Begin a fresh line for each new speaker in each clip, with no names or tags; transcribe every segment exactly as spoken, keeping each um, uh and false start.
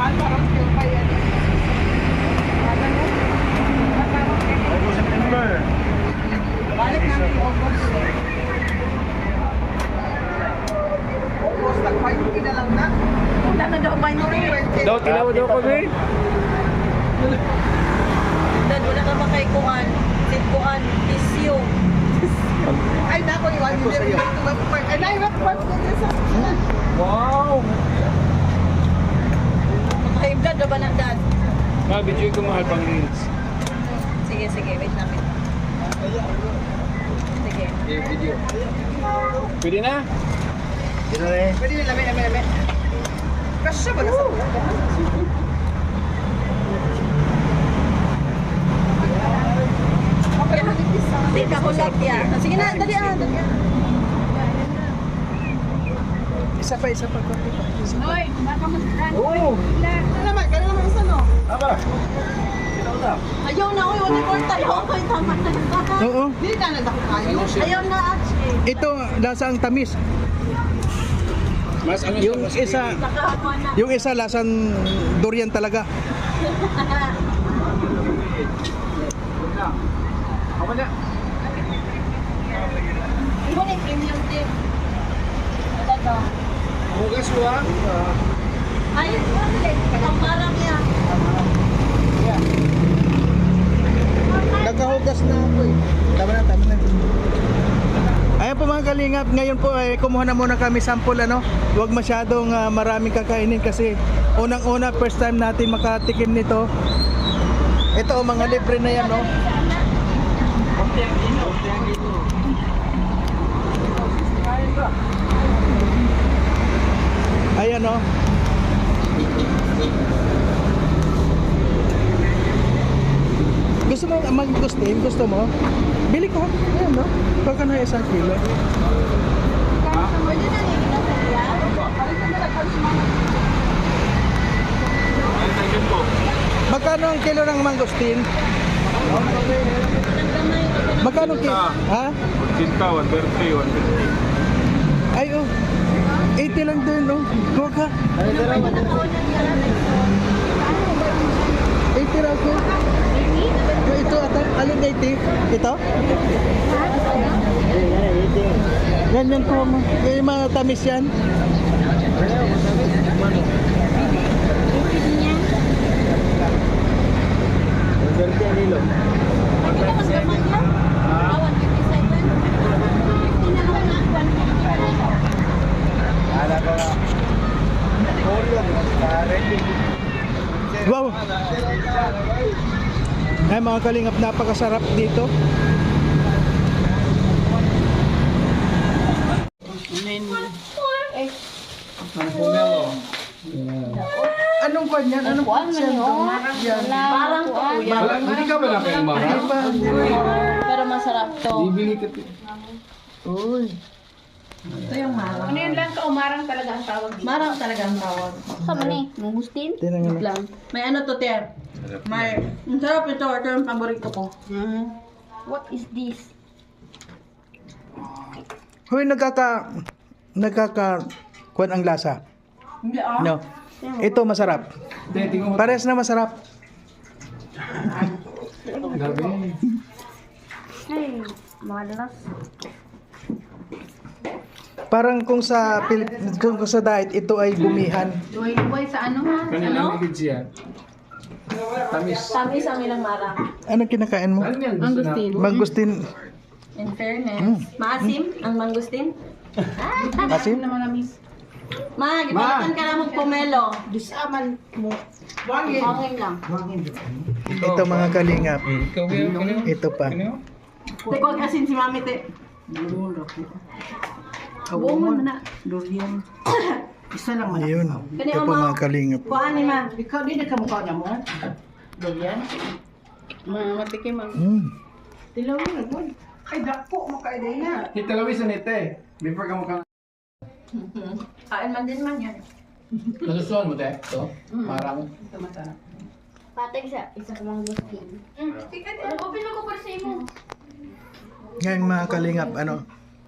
parang yung pa yan.
August, September.
Balik namin yung August. August, nag-five na lang na. Wala na daw five
Daw, tilaw daw kami.
Dad, wala ka makaikuan. Sitkuan, isyo.
Ay, nako yung ano din. Ay, naiwag pa sa
Wow!
Makaib dad, ba na dad?
Ma, video ko mahal pang reels.
Sige, sige, wait lang. Sige.
Video. Pwede na? Pwede na eh.
Pwede na, lami, lami, lami. Kasya ba na sa okay, manipis.
Hindi ka ko ya. Sige na, dali ah, dali ah.
Isa pa, isa pa.
Hoy, baka mo sa
Oo!
Ano naman, kaya naman isa no?
Aba!
Ayaw na, oy, wala ko tayo. Oy, tama na.
Oo.
Hindi na nandako kayo.
Ayaw na, actually.
Ito, lasang tamis.
Mas ano
Yung isa,
Nakahakuan na.
yung isa lasang durian talaga.
Ako na.
Iba na yung premium tip. Ito to.
Hugas mo ah.
Ay, ang marang niya.
Nagkahugas na ako eh. Tama na, tama na. Ayan po mga kalingap, ngayon po ay kumuha na muna kami sample ano. Huwag masyadong uh, maraming kakainin kasi unang-una first time natin makatikim nito. Ito oh, mga libre na yan no. Ayan oh. Gusto mo mag-gustin? Gusto mo? Bili ko. Ayan no. Baka na isang kilo.
Pwede na rin ito kaya.
Magkano ang kilo ng mangosteen? Magkano kilo? Ha?
Kinta, one thirty, one fifty.
Ay oh. eighty lang din oh. Huwag ka. eighty raw ko. Yung ito ata, alin eighty? Ito? Yan yan po mo. Yung mga tamis yan. Wow! Ay mga kalingap, napakasarap dito. Anong kwan yan? Anong kwan yan?
Parang to kuya.
Hindi ka ba na kayo mahal?
Pero masarap to.
Bibili ka.
Uy.
Ito yung marang.
Ano yun lang, kaumarang talaga ang tawag dito.
Marang talaga ang tawag.
Sama ni, mungustin?
Tinangan na.
Lang. May ano to, Ter? May, ang sarap ito. Ito yung paborito ko.
What is this?
Huy, nagkaka... Nagkaka... Kwan ang lasa.
Hindi ah.
No. Ito masarap. Pares na masarap.
Ay, malas.
Parang kung sa Pilip, kung sa diet ito ay gumihan.
Buhay-buhay sa ano ha?
Kanilang igid siya. Tamis.
Tamis ang ilang marang.
Anong kinakain mo?
Ano yan?
Mangustin.
Mangustin.
In fairness. Maasim ang mangustin.
Asin?
Naman namis.
Ma, gipalitan ka na mong pomelo.
Disaman mo.
Wangin.
Hangin lang.
Ito mga kalingap.
Ikaw ba?
Ito pa.
Tekog asin si Mami, te.
Buong mo na. Durian. Isa lang man.
Ayun.
Kani
Ito po
oma.
mga kalingap.
Kuhaan ni Ma.
Ikaw, di na kamukha na mo. Durian. Matikim ang.
Mm.
Tilaw mo na.
Ay, dako mo kayo din na.
Hitalawis na nite. Before ka mo ka.
Kain man din man yan.
Nasusuan mo te? Ito? Marang.
Ito masarap.
Patay sa isa ko mang gustin.
Ano ko pinako para sa imo?
Ngayon mga kalingap, ano?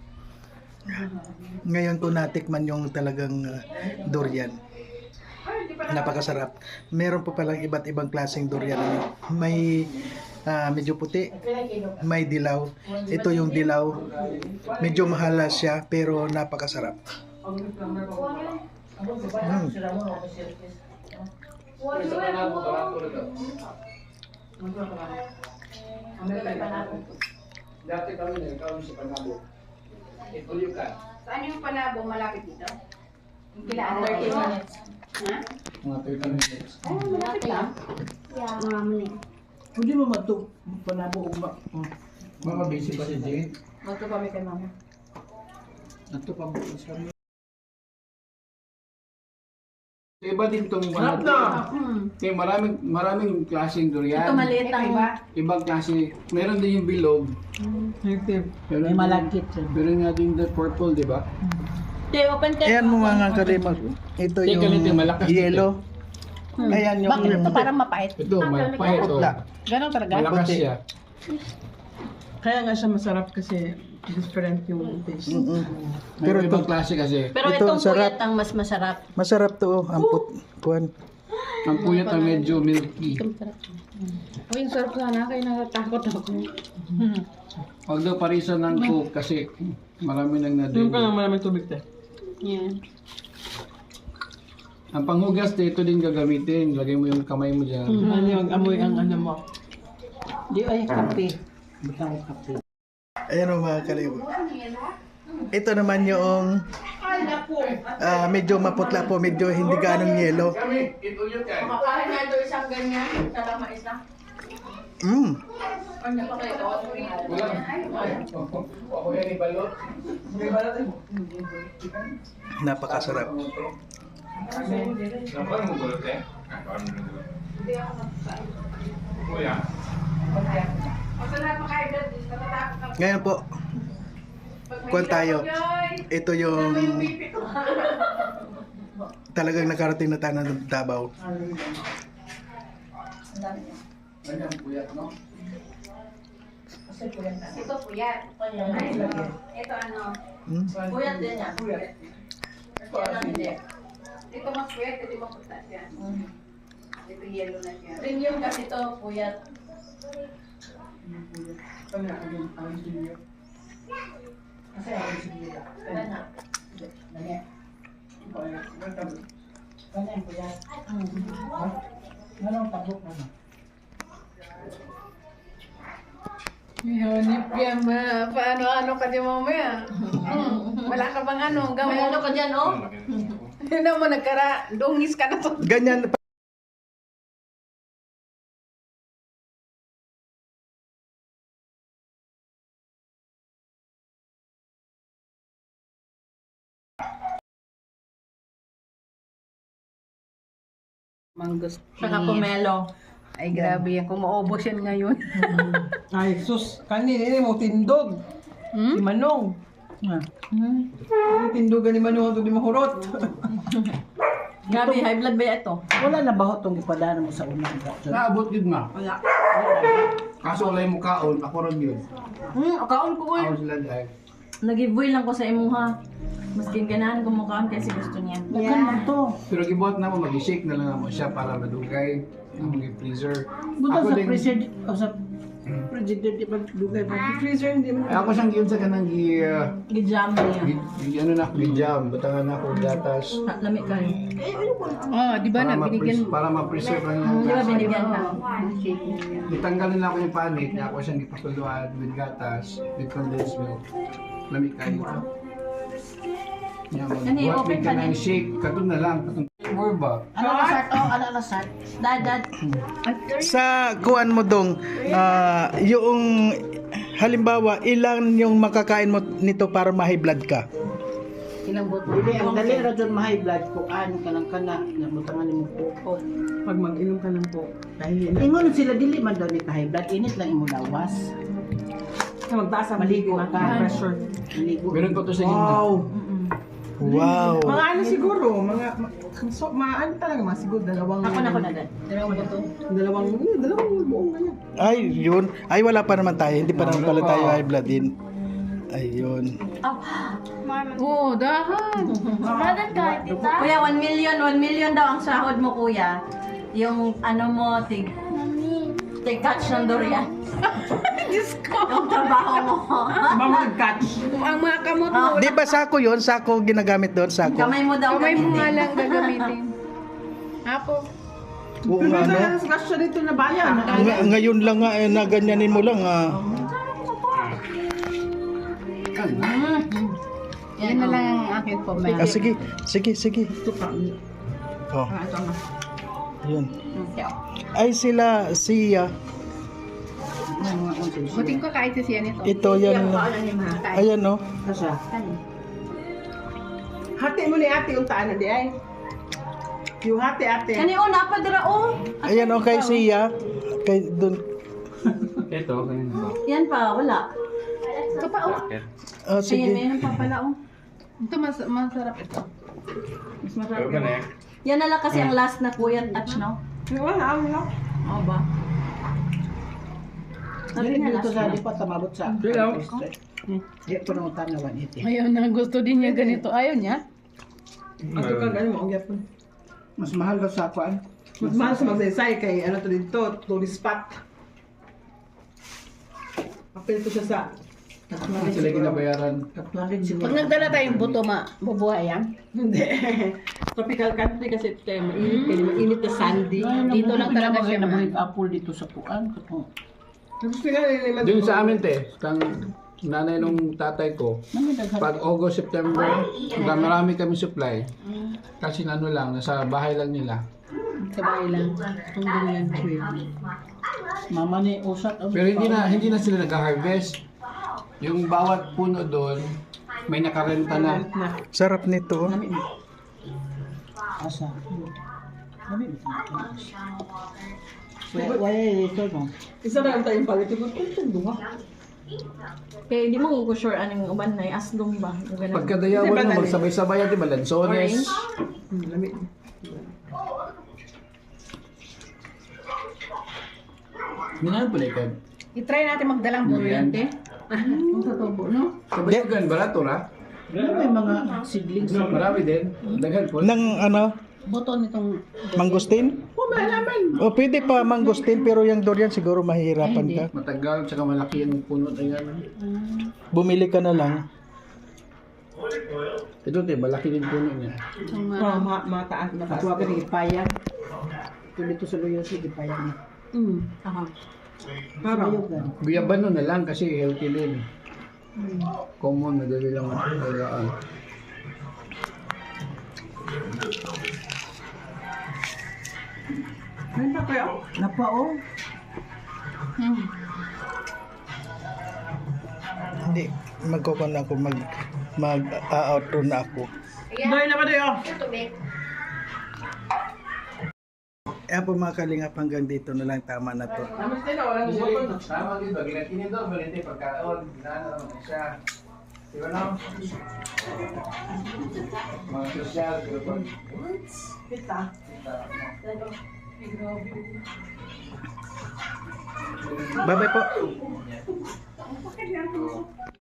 Ngayon ko natikman yung talagang uh, durian. Napakasarap. Meron po palang iba't ibang klaseng durian. May ah, medyo puti, may dilaw. Ito yung dilaw. Medyo mahala siya pero napakasarap. Mm.
Dati kami na ikaw sa Panabo. Itulyo ka.
Saan yung Panabo? Malapit dito? Kailangan
thirty
minutes. Ha?
Mga thirty minutes.
Ay, malapit lang.
Yeah. Marami.
Hindi mo matug panabo ugma.
Mga busy pa si Jane.
Mato kami kay mama.
Ato pa mo sa
Iba din itong
Sarap na!
Kaya maraming maraming klaseng durian.
Ito maliit ang
Iba.
Ibang klase. Meron din yung bilog. Meron
May malagkit.
Meron nga din the purple, di ba?
Te, open te.
Ayan mo mga kalimag. Ito
Teka,
yung
ito, malakas dito.
yellow. Ayan yung
Bakit ito parang mapait?
Ito, malapay ito.
putla.
Ganon talaga?
Malakas
Puti.
siya.
Kaya nga siya masarap kasi different yung taste.
Mm-mm.
Pero
Pero
ibang
ito,
klase kasi.
Pero
Ito,
itong
sarap.
puyat ang mas masarap.
masarap to. Oh. Ang put, kuhan.
Ang puyat ang medyo milky.
Uy, yung sarap sana. Kaya natatakot ako.
Huwag daw parisan ng coke kasi marami nang
Yung ka
na-drink.
lang maraming tubig te.
Yan.
Ang panghugas dito din gagamitin. Lagay mo yung kamay mo dyan.
Ano yung amoy ang ano mo.
Di ay kape. Butang kape.
Ayan o mga kalimag. Ito naman yung ah, medyo maputla po. Medyo hindi ganong yellow.
Kami, itulyo ka.
Makakain nga ito isang ganyan. Sarap mais na.
Mm.
Ano pa kayo?
Wala. Ako yan ibalot.
Napakasarap.
Dapat mo gulot eh. Kuya.
Ngayon po, kuhan tayo. Ito yung talagang nakarating na tayo ng Davao.
Ganyan puyat, no?
Ito puyat. Ito ano?
Hmm?
Puyat din yan.
Ito ano hindi. Ito mas puyat. Ito maputa siya. Ito yellow na siya.
Premium kasi ito, puyat. Ano?
Hanip yan ma. Paano-ano ka di mamaya? Hmm. Wala ka bang ano?
May ano
Gamo.
ka dyan, oh?
Hindi mo nagkara. Dungis ka na to.
Ganyan.
Manggos.
Saka pomelo.
Ay grabe yan. Kung maubos yan ngayon.
Ay, sus, kanin ini mo tindog. Si Manong. Ah. Ang tindogan ni Manong ito di mahurot.
Gabi, high blood ba ito?
Wala na ba itong ipadaan mo sa unang gato?
Naabot yun nga.
Wala.
Kaso wala yung mukhaon, ako ron yun.
Hmm, akaon ko ko.
Ako sila dahil.
Nag-giveaway lang ko sa imuha. Maskin ganahan ko mukhaan kasi gusto niya.
Yeah.
Pero gibuhat na mo, mag-shake na lang mo siya para madugay. Ang freezer.
Buta
Ako
sa
din,
freezer, o sa freezer, di ba dugay ba?
Freezer hindi mo.
eh, ako siyang giyon sa kanang gi, uh,
Gijam niya.
gi, gi- ano na ako, gi-jam. Butangan na ako gatas.
Ha, lamig kayo.
Oh, di ba
Para,
na binigyan
ma-pres- para ma-preserve lang yung
Di ba
gatas.
binigyan ka?
Ditanggalin na ako yung panit, niya ako siyang ipakuluan with gatas, with condensed milk. Lamig kayo. Yan,
Ano yung
magbuhat
open
ka
panit?
ng shake, katun na lang. Katun more ba?
Ano na sart? Oh, ano na sart?
Dad, dad.
Sa kuan mo dong, ah, yung halimbawa, ilan yung makakain mo nito para ma-high blood ka?
Ilang boto? Hindi, ang dali ra dyan ma-high blood ko. Ano ka lang ka na, nabutangan mo po.
Pag mag-inom ka ng po. Dahil yun.
Ingon sila dili man daw ni ka-high blood. Init lang imo lawas.
Magtaas ang
Maligo
maligo
ka.
ka. Pressure.
Maligo.
Meron pa to sa gitna.
Wow.
Wow!
Mga ano siguro, mga, ma- so, mga ano talaga, mga siguro dalawang...
Ako na ko na dad. Dalawang buto.
Dalawang, yun, dalawang buong ganyan.
Ay, yun. Ay, wala pa naman tayo. Hindi pa naman pala tayo high blood din. Ayun.
Oo, dahan.
Mamadan ka, tita.
Kuya, one million, one million daw ang sahod mo, kuya. Yung ano mo, tig,
Mami.
tig catch ng durian. Diyos ko. Yung trabaho mo.
Mamag-catch.
Ang mga kamot mo.
Di ba sako yun? Sako ginagamit doon, sako.
Kamay mo daw.
Kamay mo nga
gamitin.
lang gagamitin. Apo.
Oo
Pero
nga, no?
sa discussion dito na bayan.
Nga- ngayon lang nga, eh, na ganyanin mo lang, ah.
Yan na lang ang akin po, ma'am.
Ah, sige, sige, sige. Oh,
Ah, ito na.
yun.
Okay.
Ay, sila, siya.
Buting ko kahit siya nito.
Ito, yan. Ayan, no?
Asa? Hati mo ni ate yung taan na di ay. Yung hati ate.
Kani o, napadira o.
Ayan, okay, siya. Kay, dun.
Ito, ganyan ba?
Yan pa, wala.
Ito pa, oh.
Ah,
Ayan,
sige.
meron pa pala o.
Ito mas masarap ito.
Mas masarap yun. Yan na lang kasi ang last na kuya touch, no?
Wala, wala.
Oo ba? Sabi na last na.
pa tamabot sa.
Hello.
Di ko nang utan na one eighty.
Ayaw na, gusto din niya ganito. Ayaw niya.
Ato ka gano'n mo, ang yapon.
Mas mahal daw sa kuan.
Mas mahal sa magsaysay kay ano to dito, tourist spot. Apel ko siya sa
Hindi sila ginabayaran.
Katlarin siguro.
Pag nagdala tayong buto, ma, bubuhay yan.
Hindi. Tropical country kasi ito tayo mainit, kaya mainit na sandy.
Dito lang talaga siya naman.
Gusto nga nila
Doon sa amin, te, kang nanay nung tatay ko, pag August, September, hanggang marami kami supply. Kasi ano lang, nasa bahay lang nila.
Sa bahay lang. Tungkol yan.
Mama ni Usat.
Pero hindi na hindi na sila nag-harvest. Yung bawat puno doon, may nakarenta na.
Sarap nito, oh.
Asa. Wala ito no. Isa na lang tayong palit. Ito ito dunga.
Kaya hindi mo ko sure anong uban na aslong ba? Yung ganun.
Pagkadayawan mo, magsabay-sabay at iba, lansones.
Orange?
Lamig.
Minahal pala ikaw.
I-try natin magdalang buryante. Ang tatubo, no?
Kabayugan, barato ra.
May mga seedlings.
Marami din. Daghan po.
Nang, ano,
Buto nitong...
mangustin?
Oh, malaman.
O, pwede pa mangustin, pero yung durian siguro mahihirapan ka.
Matagal, tsaka malaki yung puno na yan.
Bumili ka na lang.
Ito, te, malaki din puno niya.
Oh, ma mataas, mataas. Tuwa ka ng ipayan. Ito dito sa luyo sa ipayan.
Mm. Aha.
Parang.
Guyabano na lang kasi healthy din. Common, madali lang alagaan.
Ano pa kayo? Napao.
Hmm.
Hindi, magkukon ako, mag, mag-outro na ako.
Dahil naman tayo.
Tubig.
Ayan po mga kalingap, hanggang dito na lang, tama na to.
Namaste na, walang bukol.
Tama din ba? Ginatinin daw, balite pagkaon. Ginana naman siya. Di ba no? Mga sosyal, pero pag...
Kita.
Bye-bye po.